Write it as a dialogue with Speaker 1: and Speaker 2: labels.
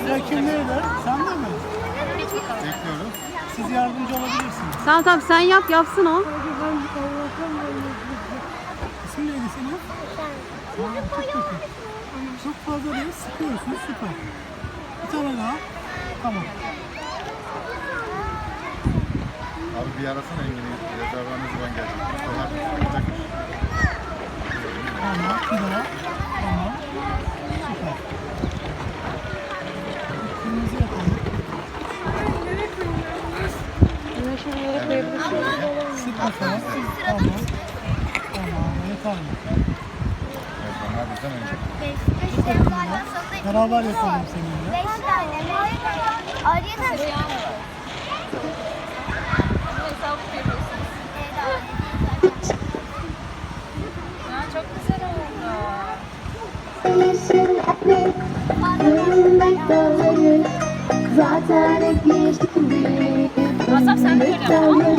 Speaker 1: Sıra kimdeydi? Sen de mi?
Speaker 2: Bekliyoruz.
Speaker 1: Siz yardımcı olabilirsiniz.
Speaker 3: Tamam sen yap, yapsın o.
Speaker 1: İsmin neydi senin? Çok kötü. Çok fazla değil, sıkıyorsunuz, süper. Bir tane daha. Tamam.
Speaker 2: Abi bir arasana Engin'i. Rezervuar ne zaman gelecek? Ustalar yapacakmış.
Speaker 1: Tamam, bir daha. Tamam. Süper. Kırmızı yapalım. Sık bakalım. Tamam. Tamam, yeterli.
Speaker 2: Evet, onlar bizden önce.
Speaker 1: Beraber yapalım seninle.
Speaker 4: 5 tane. Araya
Speaker 5: Çok güzel oldu.
Speaker 6: Zaten geçtik bir.
Speaker 5: Asaf sen de böyle yap, tamam mı?